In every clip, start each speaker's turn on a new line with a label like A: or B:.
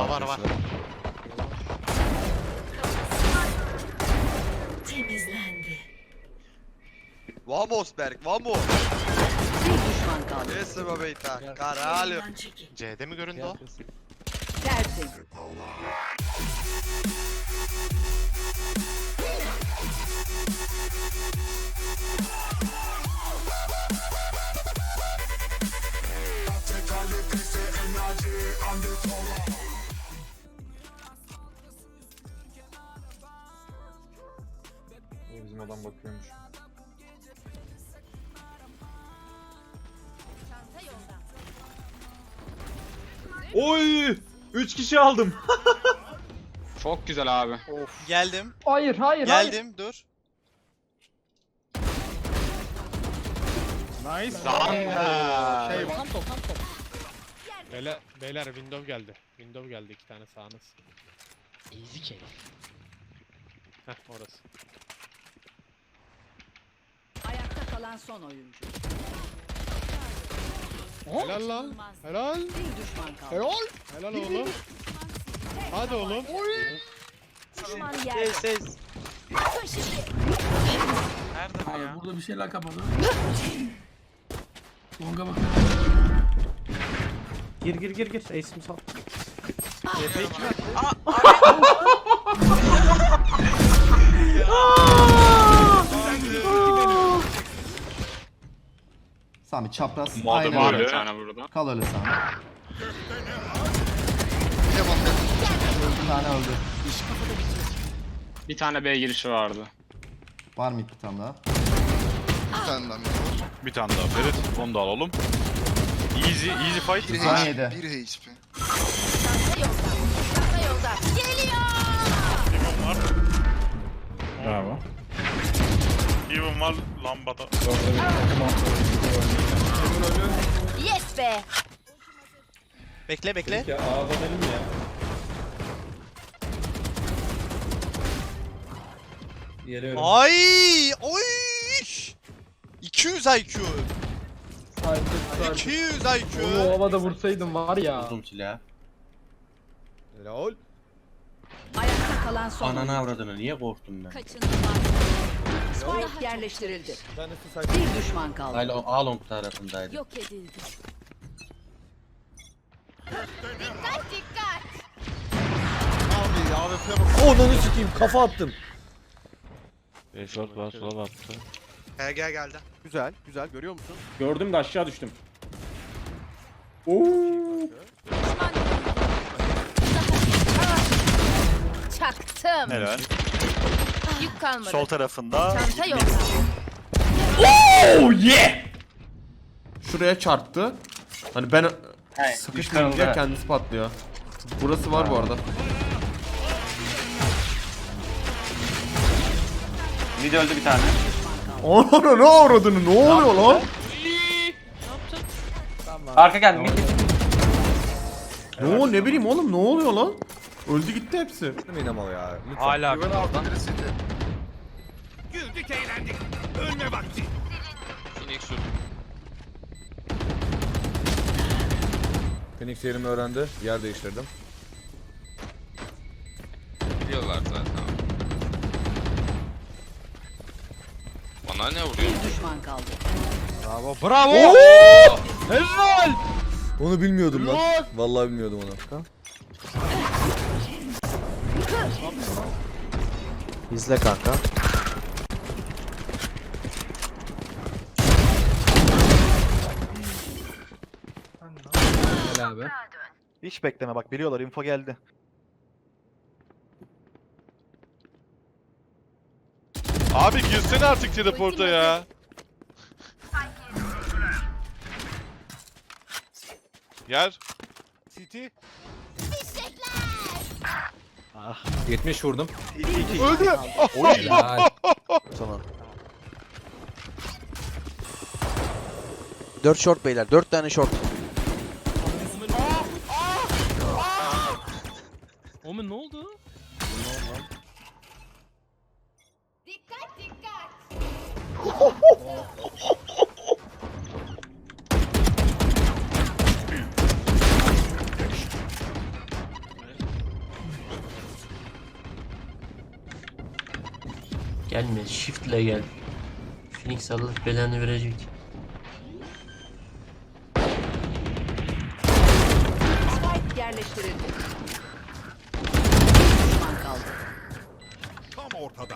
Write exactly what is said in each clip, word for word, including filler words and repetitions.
A: Var var var.
B: Temizlendi.
C: Vamos Berk, vamos.
B: Bir düşman kaldı.
C: Esse meu beita, caralho.
B: Yoldan çekil.
A: C'de mi göründü o?
B: Tertemiz.
D: Bizim adam bakıyormuş. Oy! üç kişi aldım.
E: Çok güzel abi.
F: Geldim.
G: Hayır hayır hayır.
F: Geldim. Dur.
D: Nice.
A: Şey
G: Tam top tam top.
H: Beyler, beyler window geldi. Window geldi iki tane sağınız.
G: Easy kill.
H: Heh orası.
B: Ayakta kalan son oyuncu.
H: Helal lan. Helal.
B: Bir düşman kaldı.
H: Helal. Helal oğlum. Hadi oğlum.
B: Düşman yerde.
F: Ses. Nerede bu ya?
G: Burada bir şeyler kapadı. Longa bak.
I: Gir gir gir gir. Ace'imi sal.
A: Sami çapraz.
E: Modum
A: Aynen
E: var
A: öyle.
E: bir tane burada.
A: Kal öyle Sami. Bir tane öldü.
E: Bir tane B girişi vardı.
A: Var mı bir tane daha?
J: Bir tane daha Ferit. Onu da alalım. Easy, easy fight.
A: on yedi.
D: Bravo.
J: Even var lambada.
B: Yes be.
F: Bekle bekle.
D: Ya A'dan elim ya. Geliyorum.
F: Ay! Oy! iki yüz I Q. iki yüz I Q.
G: Onu havada vursaydım var ya.
A: Uzun silah.
F: Helal.
B: Ayakta kalan son
A: Ananı
B: oyuncu.
A: avradını niye korktum ben?
B: Spike yerleştirildi. Bir düşman kaldı.
A: Hala Along tarafındaydı.
B: Yok edildi.
F: Abi A W P'ye bak.
I: Onunu sikeyim kafa attım.
J: Short var, sola attı.
C: Gel gel geldi.
F: Güzel, güzel görüyor musun?
D: Gördüm de aşağı düştüm.
B: Çaktım.
J: Helal.
B: Yük kalmadı.
J: Sol tarafında.
B: Çanta yok.
D: Oh yeah!
I: Şuraya çarptı. Hani ben sıkıştırınca kendisi patlıyor. Burası var bu arada.
E: Mid öldü bir tane.
I: Ana ne avradını ne oluyor lan?
E: Arka geldi. Mid.
I: Ne o ne bileyim oğlum ne oluyor lan? Öldü gitti hepsi.
E: Hala.
D: Phoenix yerimi öğrendi. Yer değiştirdim.
E: Biliyorlar zaten. Bana ne vuruyor?
B: Bir düşman kaldı.
F: Bravo!
I: Onu bilmiyordum lan. Vallahi bilmiyordum onu. İzle kanka.
G: Gel abi.
F: Hiç bekleme bak biliyorlar info geldi.
J: Abi girsene artık teleporta ya. Gel.
H: City.
D: yetmiş vurdum.
F: Öldü.
D: Helal.
I: Sana. dört short beyler. dört tane short.
H: Oğlum ne oldu?
B: Dikkat dikkat.
G: Gelme, shift ile gel. Phoenix Allah belanı verecek.
B: Spike yerleştirildi. Bir düşman kaldı.
J: Tam ortadan.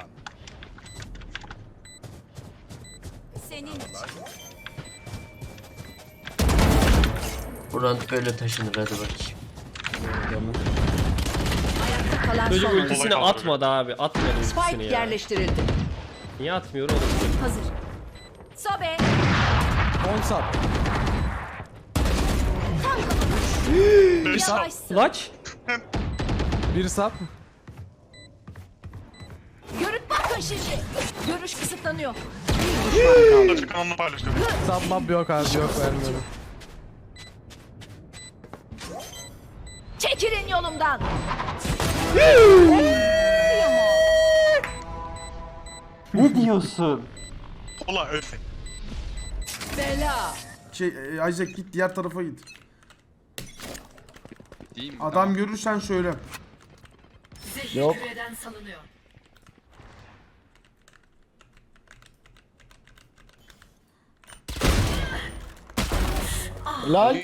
B: Senin
G: Buran böyle taşınır, hadi bakayım.
B: ayakta kalan
G: Çocuk
B: son.
G: ultisini atmadı abi, atmadı ultisini
B: Spike
G: ya.
B: yerleştirildi.
G: Niye atmıyor oğlum?
B: Hazır. Sobe.
J: Bir sap.
B: Yavaşsın.
G: Clutch.
D: Bir sap.
B: Görüp bakın şimdi. Görüş kısıtlanıyor. Bir düşman kaldı.
J: Açık kanalını paylaştım.
D: Sapmam yok abi, yok vermiyorum.
B: Çekilin yolumdan.
G: Ne diyorsun?
J: Ola öyle.
B: Bela.
I: Şey e, Isaac git diğer tarafa git.
E: Değil mi?
I: Adam görürsen söyle.
B: Yok. Küreden salınıyor.
A: Helal.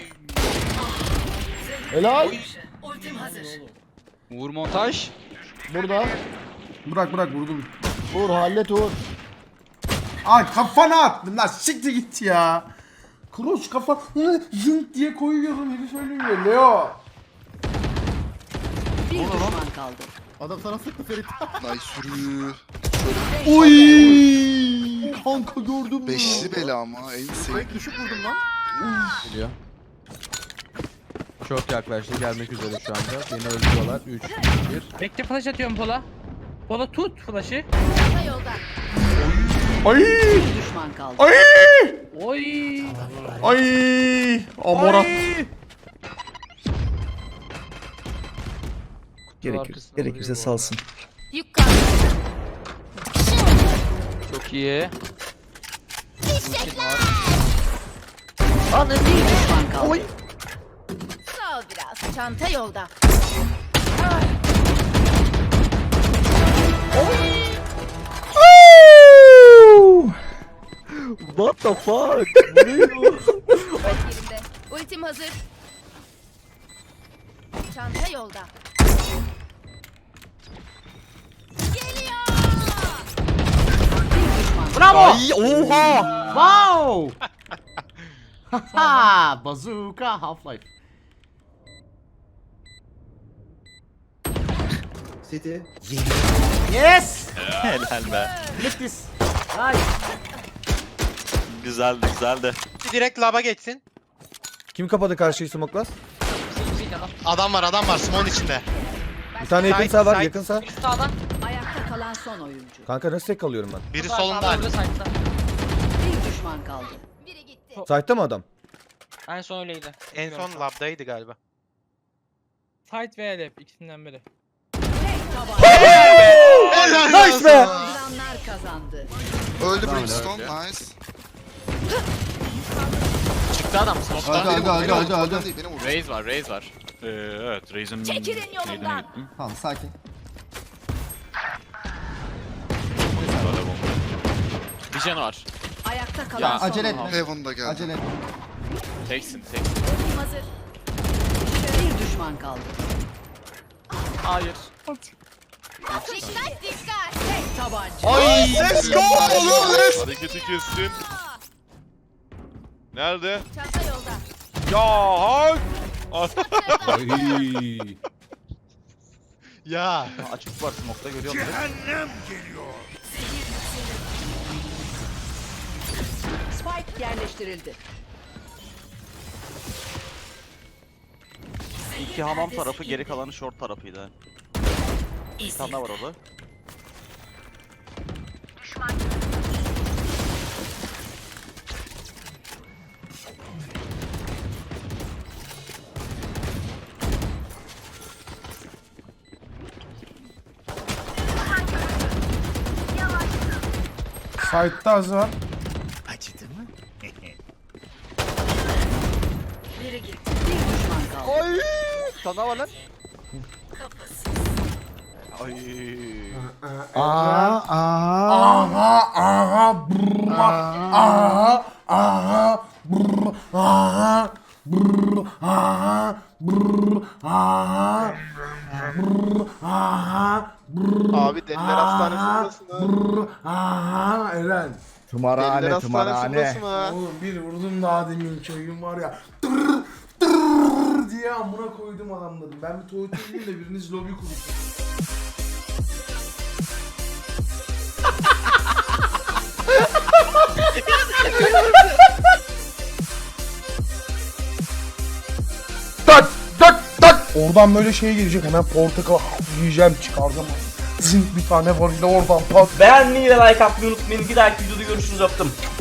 A: Helal.
B: Ultim hazır.
E: Uğur montaj.
A: Burada.
I: Bırak bırak vurdum.
A: Uğur hallet Uğur.
I: Ay kafana attım lan, siktir git ya. Kroos kafa zınk diye koyuyorum, herif ölüyor Leo.
B: Bir düşman kaldı.
A: Adam sana sıktı Ferit.
F: Ay sürü.
I: Oy! Kanka gördün mü?
F: Beşli bela ama en sevdiğim.
A: Düşük vurdum lan.
D: Geliyor. Çok yaklaştı, gelmek üzere şu anda. Beni öldürüyorlar. üç, bir.
G: Bekle, flash atıyorum Pola. Pola tut flash'ı.
B: Çanta yolda.
I: Ay!
B: Bir düşman kaldı.
I: Ay!
G: Oy.
I: Ay! Amorat.
G: Gerekir, gerekirse salsın.
B: Yük kaldı.
E: Çok iyi.
B: Bir düşman kaldı. Sağ ol biraz. Çanta yolda.
G: What the fuck?
B: Yerinde. Ultim hazır. Çanta yolda. Geliyor. Bir düşman.
I: Bravo! Ay, oha! Wow! Ha, bazooka Half-Life.
A: City.
I: Yes!
J: Helal be.
I: Look this.
J: Güzeldi güzeldi.
F: Direkt laba geçsin.
D: Kim kapadı karşıyı smoklar?
F: Adam var adam var Simon içinde.
D: Bir tane yakın
F: Side,
D: sağ var,
F: side.
D: yakın sağ.
B: Ayakta kalan son oyuncu.
D: Kanka nasıl tek kalıyorum ben?
F: Biri solunda.
B: Bir düşman kaldı. Biri gitti.
D: Site'ta mı adam?
G: En son öyleydi.
F: En son labdaydı galiba.
G: Fight ve Elep ikisinden biri.
I: Nice be!
B: Saldıranlar kazandı.
F: Öldü Brimstone nice.
E: Çıktı adam.
A: Hadi hadi hadi hadi hadi.
F: Benim vurdu.
E: Raze var, Raze var.
J: Ee, evet Raze'in
B: Çekilin yolumdan.
J: şeyine gittim.
A: Tamam sakin.
E: Bir canı var.
B: Ayakta kalan
E: Ya,
B: son
A: Acele
B: oyuncu.
A: etme.
F: Heaven'da geldi.
A: Acele etme.
E: Teksin, teksin.
B: Ultim hazır. Bir düşman kaldı.
E: Hayır.
B: Dikkat dikkat. Tek tabanca.
F: Ay let's go oğlum let's.
J: Hareketi kestim. Nerede?
B: Çanta yolda.
J: Ya hak.
D: Ay.
F: Ya.
J: Açık var smoke'ta görüyor musun?
B: Spike yerleştirildi.
J: İki hamam tarafı, geri kalanı short tarafıydı. Bir tane daha var orada.
I: Site'da az var.
B: Biri gitti. Bir düşman kaldı.
E: Oy! Bir tane daha var lan.
J: Ay.
I: Aha, aha, aha, brrr, aha, aha, brrr, aha, brrr, aha, brrr, aha, brrr, aha, brrr,
A: Abi deliler hastanesindesin ha.
I: brrr, aha, Eren.
A: Deliler hastanesindesin ha.
I: Oğlum bir vurdum daha demin köyüm var ya. Tırr, tırr diye amına koydum adamları. Ben bir tuvalete gideyim de biriniz lobi kurun. Tak tak tak. Oradan böyle şey gelecek, hemen portakal yiyeceğim, çıkaracağım. Zınk bir tane var, oradan pat.
G: Beğenmeyi ve like atmayı unutmayın. Bir dahaki videoda görüşürüz, öptüm.